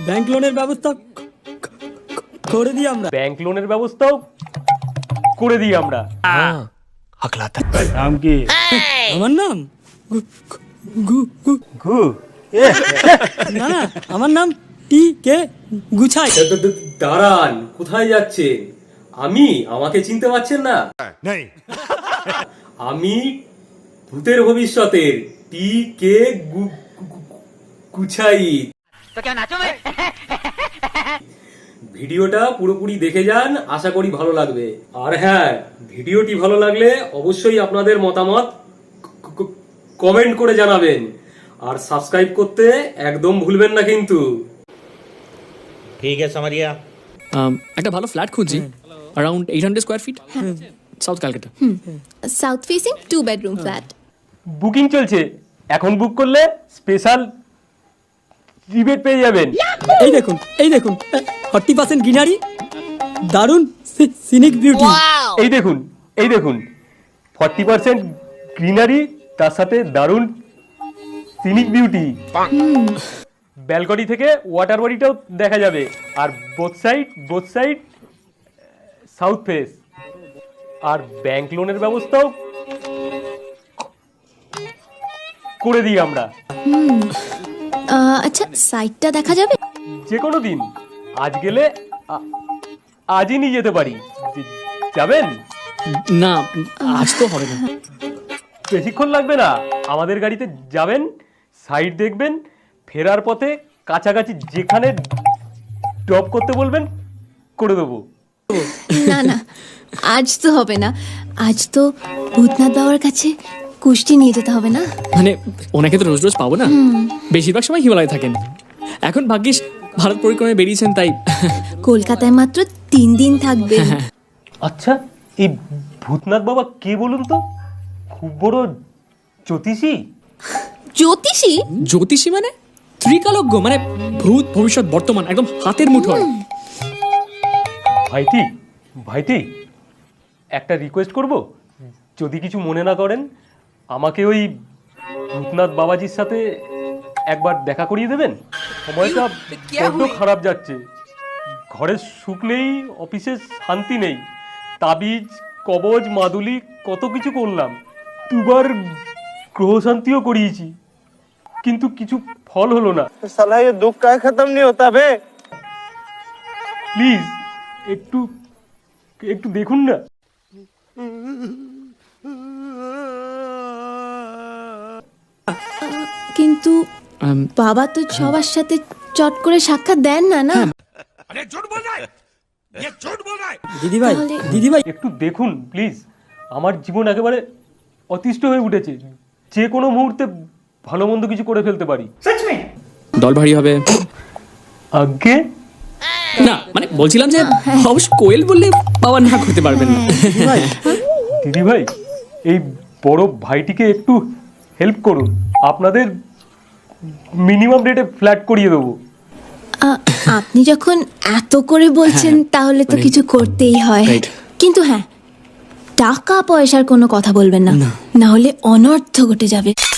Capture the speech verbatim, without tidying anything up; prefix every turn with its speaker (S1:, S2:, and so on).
S1: Bank লোনের ব্যবস্থা করে দিই আমরা।
S2: ব্যাংক লোনের ব্যবস্থাও করে দিই আমরা।
S3: নাম কি?
S1: আমার নাম গু- গু- গু-
S3: ঘু
S1: না না আমার নাম টি কে গুছাই।
S2: দাঁড়ান, কোথায় যাচ্ছেন? আমি, আমাকে চিনতে পারছেন না? আমি ভূতের ভবিষ্যতের টি কে গুছাই। ভিডিওটা পুরোপুরি দেখে যান, আশা করি ভালো লাগবে। আর হ্যাঁ, ভিডিওটি ভালো লাগলে অবশ্যই আপনাদের মতামত কমেন্ট করে জানাবেন, আর সাবস্ক্রাইব করতে একদম ভুলবেন না কিন্তু।
S4: ঠিক আছে সামারিয়া।
S5: একটা ভালো ফ্ল্যাট খুঁজছি, around eight hundred square feet, south Calcutta.
S6: South facing two bedroom flat.
S2: Booking চলছে, এখন বুক করলে স্পেশাল রিবেট পেয়ে যাবেন।
S1: এই দেখুন এই দেখুন ফর্টি পার্সেন্ট গ্রিনারি, দারুণ সিনিক বিউটি।
S2: এই দেখুন এই দেখুন ফর্টি পার্সেন্ট গ্রিনারি, তার সাথে দারুণ সিনিক বিউটি। ব্যালকনি থেকে ওয়াটার বডিটাও দেখা যাবে, আর both side both side south face. আর ব্যাংক লোনের ব্যবস্থাও করে দিই আমরা।
S6: আচ্ছা সাইটটা দেখা যাবে?
S2: যে কোনো দিন, আজ গেলে আ- আজই নিয়ে যেতে পারি। যে- যাবেন?
S5: না আজ তো হবে না।
S2: বেশিক্ষণ লাগবে না, আমাদের গাড়িতে যাবেন, সাইড দেখবেন, ফেরার পথে কাছাকাছি যেখানে ড্রপ করতে বলবেন করে দেবো।
S6: না না আজ তো হবে না, আজ তো ভূতনাথ বাবার কাছে কুষ্টি নিয়ে যেতে হবে না।
S5: মানে ওনাকে তো রোজ রোজ পাবো না, বেশিরভাগ সময় হিমালয়ে থাকেন। এখন ভাগ্যিস ভারত পরিক্রমায় বেরিয়েছেন, তাই
S6: কলকাতায় মাত্র তিন দিন থাকবে।
S2: আচ্ছা, এই ভূতনাথ বাবা কে বলুন তো? খুব বড় জ্যোতিষী?
S6: জ্যোতিষী?
S5: জ্যোতিষী মানে ত্রিকালজ্ঞ, মানে ভূত ভবিষ্যৎ বর্তমান একদম হাতের মুঠোয়।
S2: ভাইটি ভাইটি একটা রিকোয়েস্ট করব, যদি কিছু মনে না করেন, আমাকে ওই ভূতনাথ বাবাজির সাথে একবার দেখা করিয়ে দেবেন। সময়টা বড্ড খারাপ যাচ্ছে, ঘরে সুখ নেই, অফিসে শান্তি নেই, তাবিজ কবজ মাদুলি কত কিছু করলাম, দুবার গ্রহ শান্তিও করিয়েছি, কিন্তু কিছু ফল হলো না।
S3: साला ये दुख का खत्म नहीं होता बे।
S2: প্লিজ একটু একটু দেখুন না।
S6: কিন্তু
S5: আম,
S6: বাবা তো সবার সাথে চট করে সাক্ষাৎ দেন না না।
S1: দিদি ভাই
S6: তাহলে-
S1: দিদি ভাই
S2: একটু দেখুন প্লিজ, আমার জীবন একেবারে অতিষ্ঠ হয়ে উঠেছে, যে কোনো মুহূর্তে ভালো মন্দ কিছু করে ফেলতে পারি।
S5: দল ভারী হবে।
S2: আগে
S5: না মানে বলছিলাম যে অবশ্য কোয়েল বললে বাবা না করতে পারবেন না।
S2: দিদি ভাই, এই বড় ভাইটিকে একটু হেল্প করুন, আপনাদের মিনিমাম রেটে ফ্ল্যাট করিয়ে দেবো।
S6: আ- আপনি যখন এত করে বলছেন তাহলে তো
S5: মানে-
S6: কিছু করতেই হয়।
S5: Right.
S6: কিন্তু হ্যাঁ, টাকা পয়সার কোনো কথা বলবেন না, না হলে অনর্থ ঘটে যাবে।